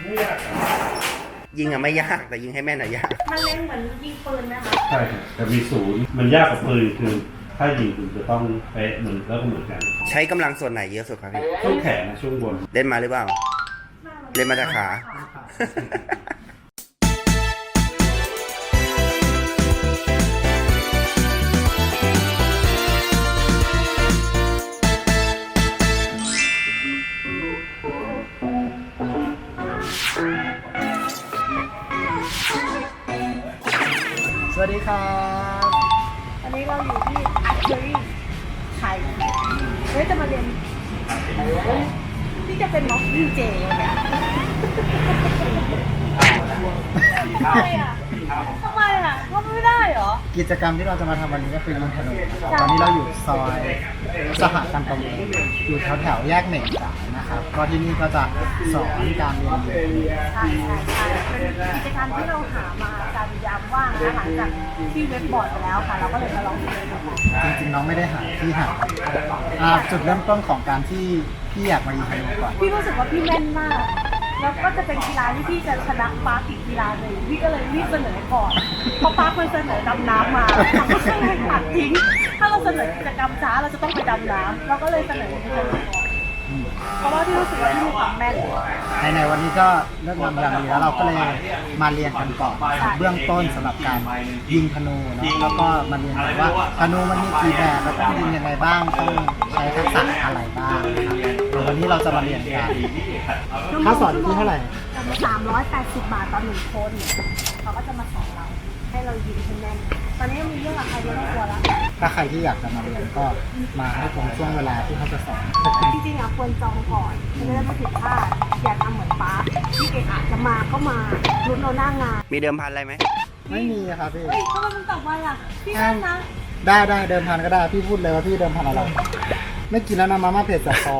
ยิงอะไม่ยากแต่ยิงให้แม่นอะยากมันเล่นเหมือนยิงปืนไหมคะใช่ครับแต่มีศูนย์มันยากกว่าปืนคือถ้ายิงคุณจะต้องเป๊ะเหมือนแล้วก็เหมือนกันใช้กำลังส่วนไหนเยอะสุดครับพี่ช่วงแขนนะช่วงบนเล่นมาหรือเปล่าเล่นมาจากขาสวัสดีครับวันนี้เราอยู่ที่อาร์เชอรี่ไทยจะมาเรียนที่จะเป็นม็อกดีเจเนี่ยทำไมอ่ะว่าไม่ได้เหรอกิจกรรมที่เราจะมาทำวันนี้ก็คือยิงธนูนะครับตอนนี้เราอยู่ซอยสหการประมงอยู่แถวแยกเหน่งจ่ายนะครับก็ที่นี่ก็จะสอนการเรียนรู้ใช่เป็นกิจกรรมที่เราหามาการยามว่างนะหลังจากที่เว็บบอร์ดไปแล้วค่ะเราก็เลยมาลองดูจริงๆน้องไม่ได้หาที่หาจุดเริ่มต้นของการที่พี่อยากมายิงธนูก่อนพี่รู้สึกว่าพี่แม่นมากแล้วก็จะเป็นกีฬาที่พี่จะชนะปาร์คอีกกีฬาหนึ่งพี่ก็เลยรีบเสนอก่อนเพราะปาร์คมันเสนอดำน้ำมาเราก็เลยตัดทิ้งถ้าเราเสนอกิจกรรมช้าเราจะต้องไปดำน้ำเราก็เลยเสนอกิจกรรมก่อนเพราะว่าพี่รู้สึกว่าพี่มีความแม่นในวันนี้ก็เริ่มงานอย่างนี้แล้วเราก็เลยมาเรียนกันก่อนเบื้องต้นสำหรับการยิงธนูเนาะแล้วก็มาเรียนว่าธนูมันมีกี่แบบแล้วต้องยิงยังไงบ้างต้องใช้ทักษะอะไรบ้างครับวันนี้เราจะมาเรียนกันค่าสอนที่เท่าไหร่ 380 บาทต่อ1คนเขาก็จะมาสอนเราให้เรายิงให้แม่นตอนนี้มีเรื่องอะไรไม่ต้องกลัวแล้วถ้าใครที่อยากจะมาเรียนก็มาให้ตรงช่วงเวลาที่เขาจะสอนจริงๆควรจองก่อนจะได้ไม่ผิดพลาดอย่าทำเหมือนป้าที่เก่งจะมาก็มาลุ้นเราหน้างานมีเดิมพันอะไรไหมไม่มีครับพี่ทำไมมันตอบไวอ่ะพี่นั่นนะได้เดิมพันก็ได้พี่พูดเลยว่าพี่เดิมพันอะไรไม่กินแล้วนะมาม่าเผ็ดจากท้อง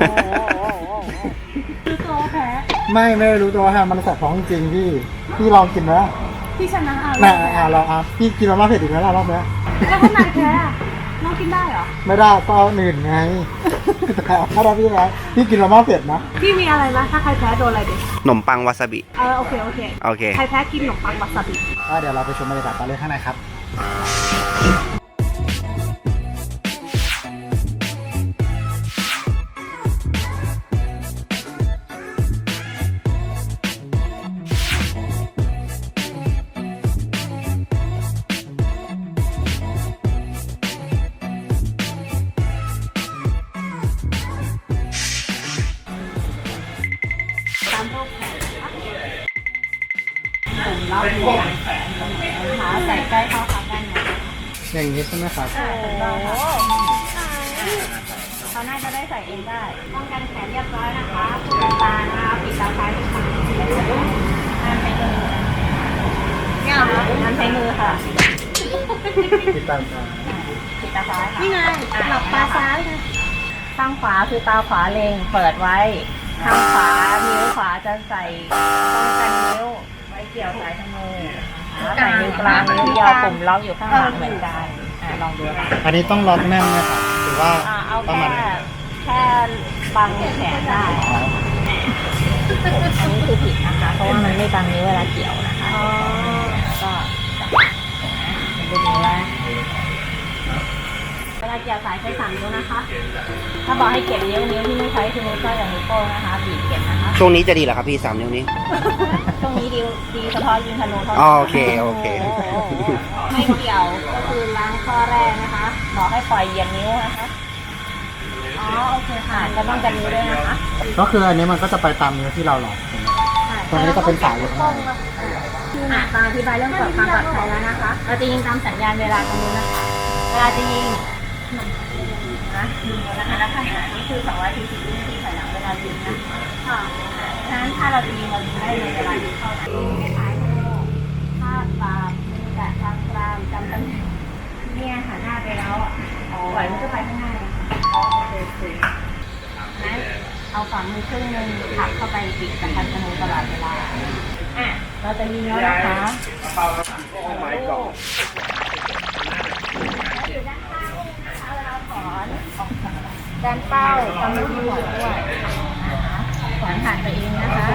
คือตัวแพ้ไม่รู้ตัวฮะมันสับท้องจริงพี่ลองกินนะพี่ชนะลองพี่กินมาม่าเผ็ดอีกแล้วรอบนี้แล้วคนไหนแพ้น้องกินได้เหรอไม่ได้ก็เอาหนึ่งไงถ้าเราพี่กินมาม่าเผ็ดนะพี่มีอะไรนะถ้าใครแพ้โดนอะไรเด็กขนมปังวาซาบิโอเคใครแพ้กินขนมปังวาซาบิเดี๋ยวเราไปชมบรรยากาศกันเลยข้างในครับเราขาใส่ใกล้เข้าครับได้ไหมอย่างนี้ใช่ไหมครับเขาน่าจะได้ใส่เองได้ป้องกันแขนเรียบร้อยนะคะตานะคะปิดตาซ้ายปิดตาห้ามใช้มือเนี่ยเหรอห้ามใช้มือค่ะปิดตาซ้ายปิดตาซ้ายค่ะนี่ไงหลับตาซ้ายนะข้างขวาคือตาขวาเล็งเปิดไว้ข้างขวานิ้วขวาจะใส่ป้องกันนิ้วเกี่ยวสายธนูใส่นิ้วกลางนิ้วยาวปุ่มล็อกอยู่ข้างหลังเหมือนกันลองดูค่ะอันนี้ต้องล็อกแน่นไหมครับหรือว่าเอาแค่บังแขนได้อันนี้คือผิดนะคะเพราะว่ามันไม่บังนิ้วเวลาเกี่ยวนะคะก็ดูนิ้วแล้วเวลาเกี่ยวสายใช้3 นิ้วนะคะถ้าบอกให้เก็บนิ้วที่ไม่ใช้คือนิ้วก้อยกับนิ้วโป้งนะคะบีบเก็บนะคะช่วงนี้จะดีเหรอครับพี่3 นิ้วนี้ช่วงนี้ดีเฉพาะยิงธนูเท่านั้นโอเคไม่เกี่ยวก็คือล้างข้อแรกนะคะบอกให้ปล่อยเหยียบนิ้วนะคะโอเคค่ะจะต้องกันนิ้วด้วยนะคะก็คืออันนี้มันก็จะไปตามนิ้วที่เราหลอกตรงนี้จะเป็นสายอยู่ข้างในตามอธิบายเรื่องความปลอดภัยแล้วนะคะเราจะยิงตามสัญญาณเวลาตรงนี้นะคะเวลาจะยิงนะคะแล้วขนาดนี้คือ240 วินาทีถอยหลังเวลายิงนะคะฉะนั้นถ้าเราจะยิงเรายิงได้ในเวลาที่เข้าให้ถ่ายภาพตามแต่ทางกลางจำตำแหน่งเนี่ยหันหน้าไปแล้วปล่อยมันก็ไปข้างหน้านะคะโอเคนั้นเอาฝ่ามือครึ่งนึงถักเข้าไปปิดกับคันธนูตลอดเวลาเราจะยิงแล้วนะคะดันเป้ากำมืออยู่ด้วยขวานผ่านตัวเองนะคะ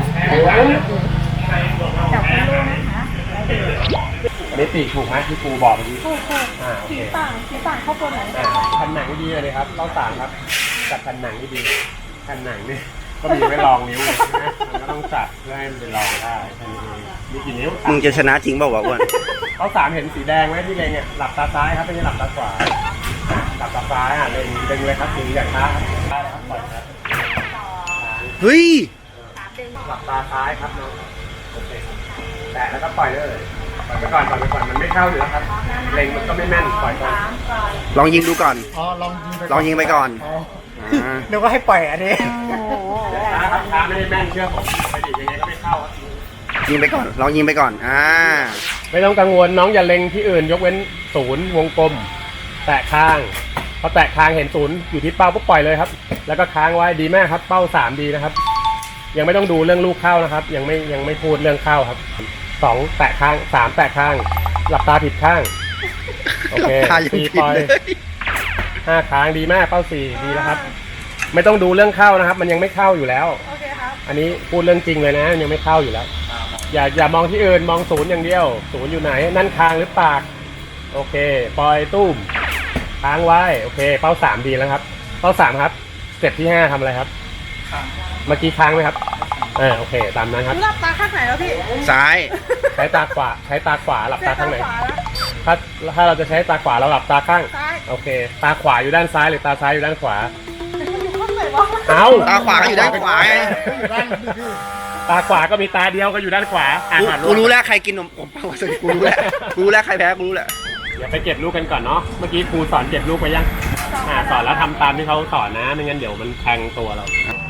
จับเป็นลูกนะคะแล้วดูอันนี้ปีกถูกไหมที่ครูบอกเมื่อกี้ถูกสีต่างเข้าตัวไหนแผ่นหนังดีเลยครับเราต่างครับจับแผ่นหนังดีแผ่นหนังนี่ก็มีไว้รองนิ้วเลยนะมันก็ต้องจับเพื่อให้มันไปรองได้แค่นี้เองมีกี่นิ้วมึงจะชนะจริงเปล่าวะอ้วนเขาสามเห็นสีแดงไหมที่เล็งเนี่ยหลับตาซ้ายครับไม่ใช่หลับตาขวาหลับตาซ้ายเล็งเลยครับดึงอย่างช้าครับได้แล้วครับปล่อยครับเฮ้ยหลับตาซ้ายครับน้องโอเคแตะแล้วก็ปล่อยเลยปล่อยไปก่อนมันไม่เข้าอยู่แล้วครับเล็งมันก็ไม่แม่นปล่อยก่อนลองยิงดูก่อนอ๋อลองยิงไปลองยิงไปก่อนอ๋ออ่านึกว่าให้ปล่อยอันนี้ช้าครับช้าไม่ได้แม่นเชื่อผมไปดิยังไงก็ไม่เข้าครับยิงไปก่อน ลองยิงไปก่อนไม่ต้องกังวลน้องอย่าเล็งที่อื่นยกเว้นศูนย์วงกลม แตะค้างพอแตะค้างเห็นศูนย์อยู่ที่เป้าปุ๊บปล่อยเลยครับ แล้วก็ค้างไว้ดีแม่ครับเป้า3ดีนะครับ ยังไม่ต้องดูเรื่องลูกเข้านะครับ ยังไม่พูดเรื่องเข้าครับ2แตะค้าง3แตะค้างหลับตาผิดข้างโอเคหลับตายัง 4 ผิดปล่อยเลย 5ค้างดีแม่เป้า4ดีแล้วครับ ไม่ต้องดูเรื่องเข้านะครับ มันยังไม่เข้าอยู่แล้วโอเคครับอันนี้พูดเรื่องจริงเลยนะมันยังไม่เข้าอยู่แล้ว อย่ามองที่อื่นมองศูนย์อย่างเดียวศูนย์อยู่ไหนนั่นคางหรือปากโอเคปล่อยตุ้มค้างไว้โอเคเป้า3ดีแล้วครับเป้า3ครับสเต็ปที่5ทำอะไรครับเมื่อกี้ค้างไหมครับโอเคตามนั้นครับหลับตาข้างไหนแล้วพี่ซ้ายใช้ตาขวาหลับตาข้างไหนขวาแล้วถ้าเราจะใช้ตาขวาเราหลับตาข้างซ้ายโอเคตาขวาอยู่ด้านซ้ายหรือตาซ้ายอยู่ด้านขวาอยู่ข้างไหนวะเอาตาขวาก็อยู่ด้านขวาไงตาขวาก็มีตาเดียวก็อยู่ด้านขวาอ่านกูรู้แล้วใครกินนมผมเปล่าสิกูรู้แล้วกูรู้แล้วใครแพ้กูรู้แล้วเดี๋ยวไปเก็บลูกกันก่อนเนาะ เมื่อกี้ครูสอนเก็บลูกไปยังสอนแล้วทำตามที่เขาสอนนะ ไม่งั้นเดี๋ยวมันแทงตัวเรา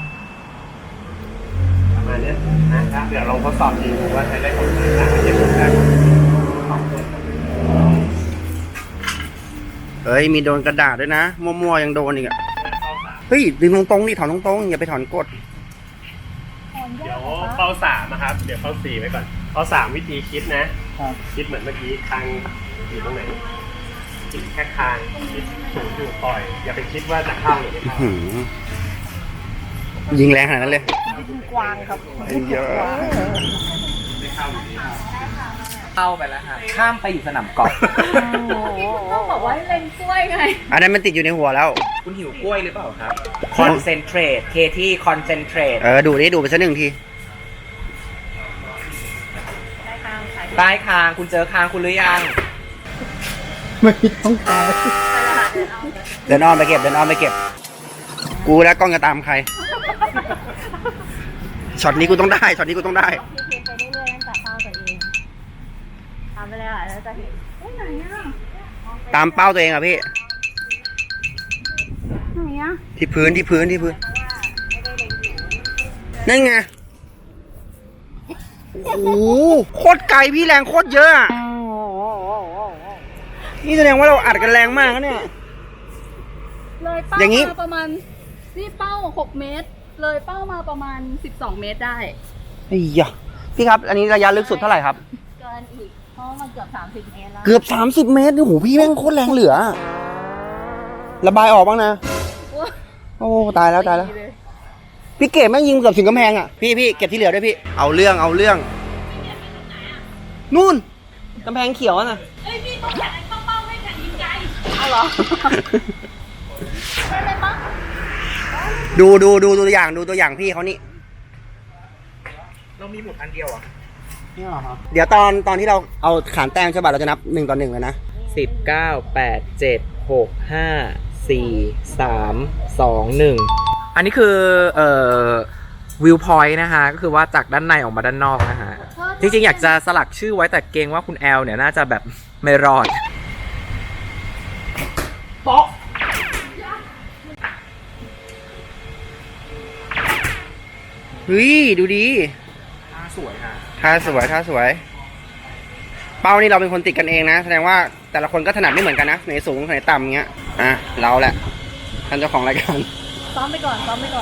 ประมาณนี้นะครับเดี๋ยวลองทดสอบจริงดูว่าใช้ได้ผลไหมเก็บลูกได้เฮ้ย มีโดนกระดาษด้วยนะ มั่วๆยังโดนอีกอะเฮ้ย ดึงตรงๆนี่ถอนตรงๆอย่าไปถอนกดเดี๋ยวเป้า3นะครับ เดี๋ยวเป้า4ไว้ก่อนเป้า3วิธีคิดนะ คิดเหมือนเมื่อกี้คางอยู่ตรงไหนคิดแค่คางคิดศูนย์อยู่ปล่อย อย่าไปคิดว่าจะเข้าหรือไม่เข้าหืมยิงแรงขนาดนั้นเลยกวางครับเยอะไม่เข้าอยู่ดีเข้าไปแล้วฮะข้ามไปอยู่สนามกอล์ฟต้องบอกว่าให้เล่นกล้วยไงอันนั้นมันติดอยู่ในหัวแล้วคุณหิวกล้วยหรือเปล่าครับ คอนเซนเทรต เคที่คอนเซนเทรตดูไปสักหนึ่งทีใต้คางคุณเจอคางคุณหรือยังไม่ต้องขายเดินอ้อมไปเก็บ กูแล้วกล้องจะตามใคร ช็อตนี้กูต้องได้เพียงไปเรื่อยๆตั้งแต่เป้าตัวเองทำไปเลยแล้วจะเห็นไหนอ่ะตามเป้าตัวเองอะพี่ไหนอ่ะที่พื้นนั่นไง โอ้โหโคตรไกลพี่แรงโคตรเยอะอะนี่แสดงว่าเราอัดกันแรงมากนะเนี่ยเลยเป้าอย่างนี้มาประมาณนี่เป้า6 เมตร เลยเป้ามาประมาณ12 เมตรได้ไอ้ยะพี่ครับ อันนี้ระยะลึกสุดเท่าไหร่ครับเกินอีกเพราะมันเกือบ30 เมตรแล้วเกือบ30 เมตรโอ้โหพี่แม่งโคตรแรงเหลือ ระบายออกบ้างนะ โอ้ตายแล้ว พี่เก็บแม่งยิงเกือบถึงกำแพงอ่ะ พี่เก็บที่เหลือด้วยพี่ เอาเรื่องนู่นกำแพงเขียวน่ะเอ้ยพี่ต้องแข่งเข้าเป้าไม่แข่งยิงไกลเอาเหรอได้เลยปะดูตัวอย่างพี่เขานี่เรามีหมุดอันเดียวอ่ะนี่เหรอครับเดี๋ยวตอนที่เราเอาขานแต้มใช่ป่ะเราจะนับ1 ต่อ 1เลยนะ 10 9 8 7 6 5 4 3 2 1 อันนี้คือวิวพอยต์นะคะก็คือว่าจากด้านในออกมาด้านนอกนะฮะ จริงๆ อยากจะสลักชื่อไว้แต่เกรงว่าคุณแอลเนี่ยน่าจะแบบไม่รอดเฮ้ยดูดีสวยฮะท่าสวย เป้านี่เราเป็นคนติดกันเองนะ แสดงว่าแต่ละคนก็ถนัดไม่เหมือนกันนะไหนสูงไหนต่ำเงี้ย อ่ะเราแหละท่านเจ้าของรายการซ้อมไปก่อน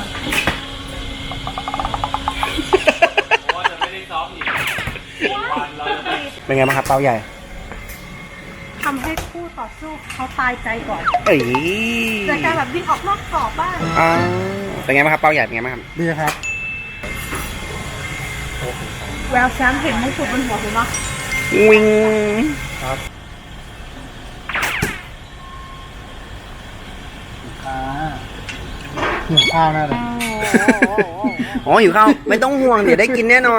เป็นไงบ้างครับเป้าใหญ่ทำให้คู่ต่อสู้เขาตายใจก่อนเอ้ยจะการแบบวิ่งออกนอกกรอบบ้างเป็นไงบ้างครับเป้าใหญ่เป็นไงบ้างครับดีครับแววแชมป์เห็นมงกุฎบนหัวคุณปะวิงครับหิวข้าวแน่เลยอ๋ออยู่ข้าวไม่ต้องห่วงเดี๋ยวได้กินแน่นอน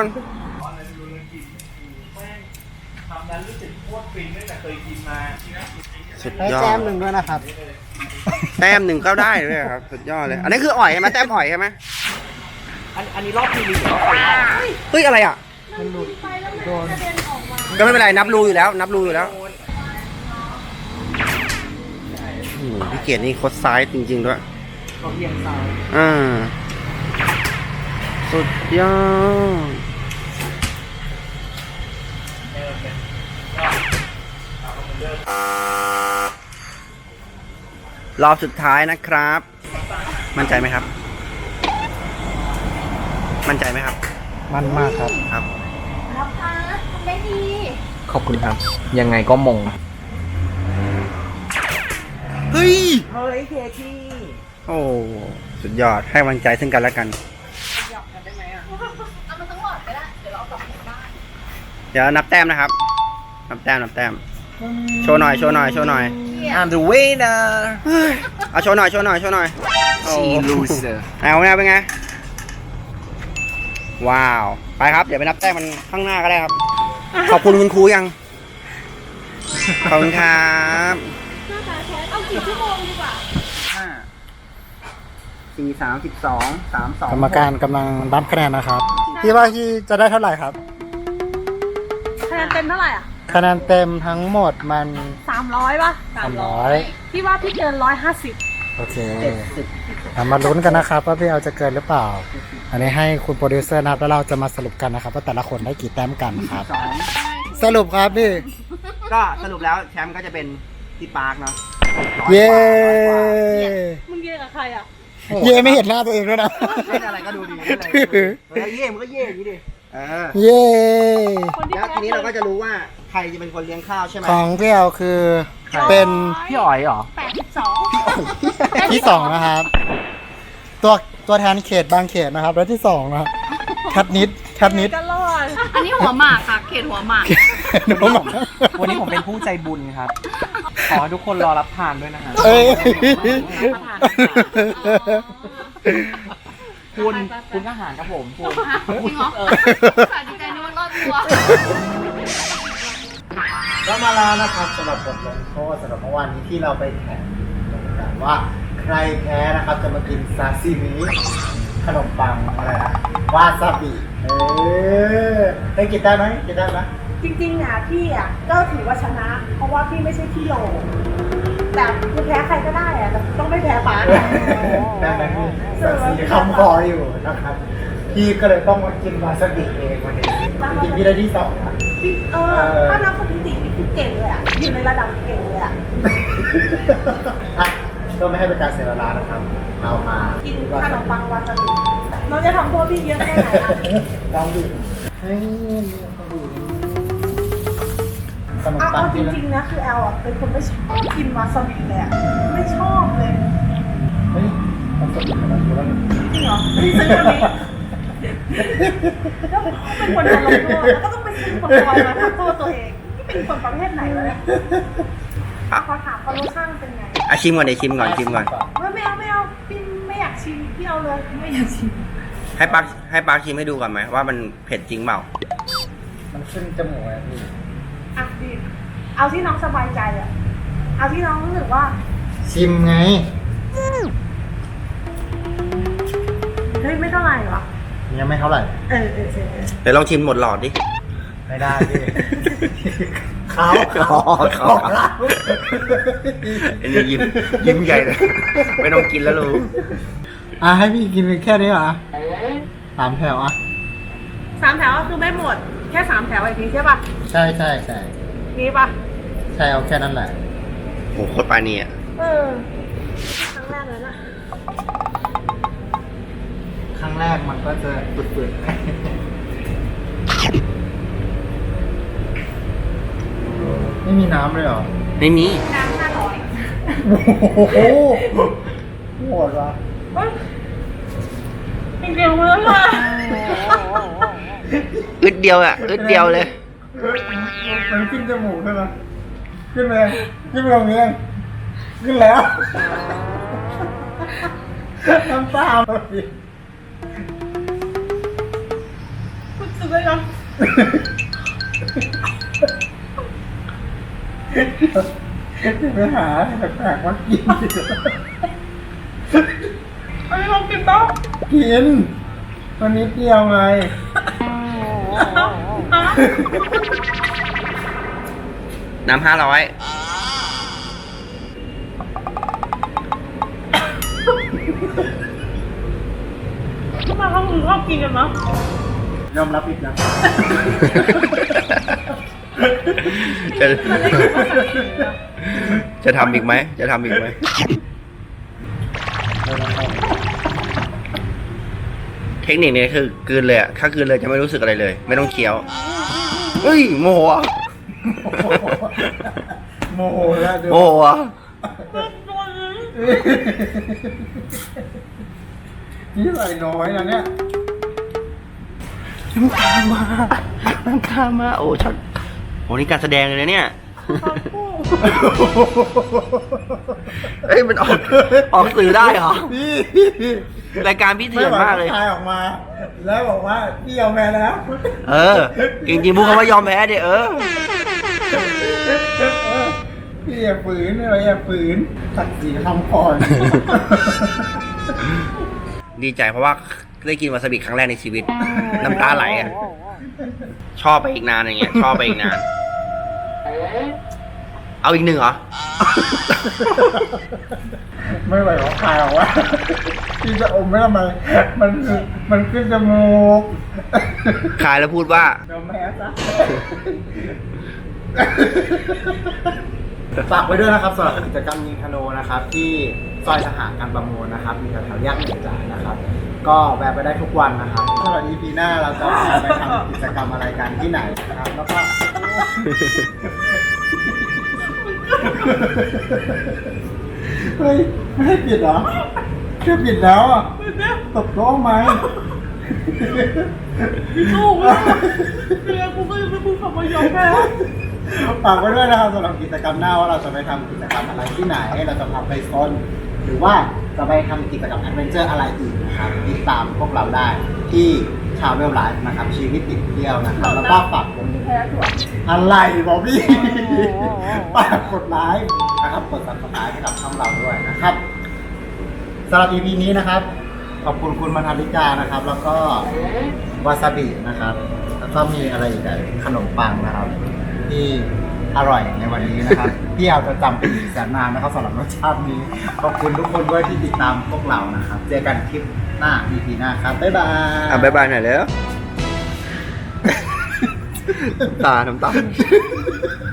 สุดให้ยอแจดมหนึ่งด้วยนะครับแต้มหนึ่งก็ได้เลยครับ สุดยอดเลย อันนี้คืออ่อยใช่ไหมแต้มอ่อยใช่ไหมอันนี้รอบพรีลิมหรือรอบไฟนอลเฮ้ยอะไรอ่ะมันหลุดโดนก็ไม่เป็นไรนับรูอยู่แล้ว นับรูอยู่แล้วพี่เกียรตินี่คดซ้ายจริงๆด้วยก็เอียงซ้ายสุดยอดรอบสุดท้ายนะครับ มั่นใจไหมครับ มั่นใจไหมครับมันมากครับครับรับพาทำได้ดีขอบคุณครับ ยังไงก็มงเฮ้ยเฮ้ยเคที่โอ้ สุดยอด ให้กำลังใจซึ่งกันและกันเอามันทั้งหมดก็ได้ เดี๋ยวเราเอากลับบ้านเดี๋ยวนับแต้มนะครับ นับแต้ม นับแต้ม โชว์หน่อย โชว์หน่อย โชว์หน่อย I'm the winner เอาโชว์หน่อย โชว์หน่อย โชว์หน่อยโอ้ she loser เอาไงเป็นไง ว้าว ไปครับ เดี๋ยวไปนับแต้มมันข้างหน้าก็ได้ครับ ขอบคุณคุณครูยัง ขอบคุณครับหน้าตาแชทเอากี่ชั่วโมงดีกว่า 4 32 32 กรรมการกำลังนับคะแนนนะครับ พี่ว่าพี่จะได้เท่าไหร่ครับคะแนนเต็มเท่าไหร่อ่ะคะแนนเต็มทั้งหมดมัน 300ป่ะ 300 พี่ว่าพี่เกิน150 โอเคเรามาลุ้นกันนะครับว่าพี่เอาจะเกินหรือเปล่า อันนี้ให้คุณโปรดิวเซอร์นับแล้วเราจะมาสรุปกันนะครับว่าแต่ละคนได้กี่แต้มกันครับ สรุปครับพี่ก็สรุปแล้วแชมป์ก็จะเป็นพี่ปาร์คเนาะเย้มึงเย่กับใครอ่ะเย้ไม่เห็นหน้าตัวเองด้วยนะเล่นอะไรก็ดูดีเล่นอะไรก็ดูดีเย่มันก็เย่อย่างนี้ดิเย้คนที่แล้วแพ้ทีนี้เราก็จะรู้ว่าใครจะเป็นคนเลี้ยงข้าวใช่ไหมของพี่เอาคือเป็นพี่อ๋อยเหรอ 82 ที่ 2 นะครับ ตัวแทนเขตบางเขตนะครับ แล้วที่ 2 นะครับคัดนิดก็รอดอันนี้หัวหมากค่ะ เขตหัวหมากวันนี้ผมเป็นผู้ใจบุญครับ ขอให้ทุกคนรอรับทานด้วยนะฮะเอ้ยคุณทหารครับผมคุณจริงเหรอค่ะดีใจนึกว่ารอดตัวก็มาแล้วนะครับสำหรับบทลงโทษสำหรับเมื่อวานนี้ที่เราไปแข่งกันว่าใครแพ้นะครับจะมากินซาซิมิขนมปังอะไรนะวาซาบิได้กินได้ไหมกินได้ไหมจริงๆอ่ะพี่อ่ะก็ถือว่าชนะ เพราะว่าพี่ไม่ใช่พี่โลแต่คือแพ้ใครก็ได้อ่ะแต่ต้องไม่แพ้ป้าได้ไหมพี่ซาซิคำคออยู่นะครับพี่ก็เลยต้องมากินวาซาบิเองวันนี้จริงๆพี่ได้ที่ 2นะพี่ถ้านับสถิติพี่คือเก่งเลยอ่ะอยู่ในระดับเก่งเลยอ่ะอ่ะก็ไม่ให้เป็นการเสียเวลานะครับเอามากิกินขนมปังวาซาบิน้องจะทำโทษพี่เยอะแค่ไหนอ่ะลองดูให้ดูขนมปัเอางจที่ริงๆนะคือแอลอ่ะเป็นคนไม่ชอบกินวาซาบิเลยอ่ะไม่ชอบเลยเฮ้ยมันสดขนาดนี้แล้วจริงเหรอพี่ซื้อวันนี้แล้วเป็นคนโดนลงโทษแล้วก็ต้องไปซื้อคนคอยมาทำโทษตัวเองนี่เป็นคนประเภทไหนวะเนี่ยขอถามคนรสชาติเป็นไงชิมก่อนเดี๋ยวชิมก่อนชิมก่อนไม่เอาพี่ไม่อยากชิมพี่เอาเลยไม่อยากชิมให้ปาร์คชิมให้ดูก่อนไหมว่ามันเผ็ดจริงเปล่ามันขึ้นจมูกอะพี่อ่ะพี่เอาที่น้องสบายใจอ่ะเอาที่น้องรู้สึกว่าชิมไงเฮ้ยไม่เท่าไหร่หรอยังไม่เท่าไหร่เออเดี๋ยวลองชิมหมดหลอดดิไม่ได้พี่เขาเขาอันนี้ยิ้มใหญ่เลย ไม่ต้องกินแล้วลูกให้พี่กินแค่นี้เหรอ3 แถวอ่ะ 3 แถวก็คือไม่หมดแค่3 แถวไอ้ทีใช่ป่ะใช่นี่ป่ะใช่เอาแค่นั้นแหละโหโคตรปลาเนียเออครั้งแรกเลยนะครั้งแรกมันก็จะปืดๆไม่มีน้ำเลยเหรอไม่มีน้ำ500 โอ้โหโหดวะเฮ้ยจริงๆเลยว่ะเดียวอ่ะอึดเดียวเลยมันขึ้นจมูกใช่ไหมขึ้นไปตรงนี้ขึ้นแล้วน้ำตาพี่คุณจะได้ยังจะไปหาแปลกๆมากินอันนี้เรากินเปล่ากินวันนี้เดียวไงน้ำ500 ทำไมเขาถึงชอบกินกันนะยอมรับผิดนะจะทำอีกไหม จะทำอีกไหม เทคนิคนี้คือกลืนเลยอ่ะ ถ้ากลืนเลยจะไม่รู้สึกอะไรเลย ไม่ต้องเคี้ยว เฮ้ย โมโหอ่ะโมโหแล้วเดี๋ยวโมโหอ่ะนี่ไหลน้อยนะเนี่ยน้ำตามา น้ำตามา โอ้ชัดโหนี่การแสดงเลยนะเนี่ย เฮ้ย มันออกสื่อได้เหรอพี่รายการพี่เถื่อนมากเลยทายออกมา แล้วบอกว่าพี่ยอมแพ้แล้วเออ จริงๆพูดคำว่ายอมแพ้ดิพี่อย่าฝืนอะไรอย่าฝืนศักดิ์ศรีคำก่อนดีใจเพราะว่าได้กินวาซาบิครั้งแรกในชีวิต น้ำตาไหลอ่ะ ชอบไปอีกนานอย่างเงี้ย ชอบไปอีกนาน เอาอีกหนึ่งเหรอไม่ไหวหรอกทายออกว่าพี่จะอมไม่ทำไมมันขึ้นจมูกคายแล้วพูดว่ายอมแพ้ซะฝากไว้ด้วยนะครับสำหรับกิจกรรมยิงธนูนะครับ ที่ซอยทหารการประมูลนะครับมีแถวๆแยกเหนือจ่ายนะครับ ก็แวะไปได้ทุกวันนะครับสำหรับ EP หน้าเราจะไปทำกิจกรรมอะไรกันที่ไหนนะครับ แล้วก็เฮ้ยไม่ให้ปิดเหรอแค่ปิดแล้วอ่ะตบโต๊ะไหมลูกเลยเรียนกูก็ยังไม่พูดคำว่ายอมแพ้ฝากไว้ด้วยนะครับสำหรับกิจกรรมหน้าว่าเราจะไปทำกิจกรรมอะไรที่ไหนเราจะพาไปซนหรือว่าจะไปทำกิจกรรมแอดเวนเจอร์อะไรอีกนะครับติดตามพวกเราได้ที่ชาวเวลไลฟ์นะครับชีวิตติดเที่ยวนะครับแล้วก็ฝากกดแพ้ถั่วอะไรบอกพี่ฝากกดไลค์นะครับกด subscribe ให้กับช่องเราด้วยนะครับสำหรับ EP นี้นะครับขอบคุณคุณมณฑาริกานะครับ แล้วก็วาซาบินะครับแล้วก็มีอะไรอีกอะขนมปังนะครับ ที่อร่อยในวันนี้นะครับ ที่เอาจะจำเป็นอีกแสนนานนะครับสำหรับรสชาตินี้ขอบคุณทุกคนด้วยที่ติดตามพวกเรานะครับเจอกันคลิปหน้า EP หน้าครับบ๊ายบายอ่ะบ๊ายบายหน่อยแล้ว น้ำตา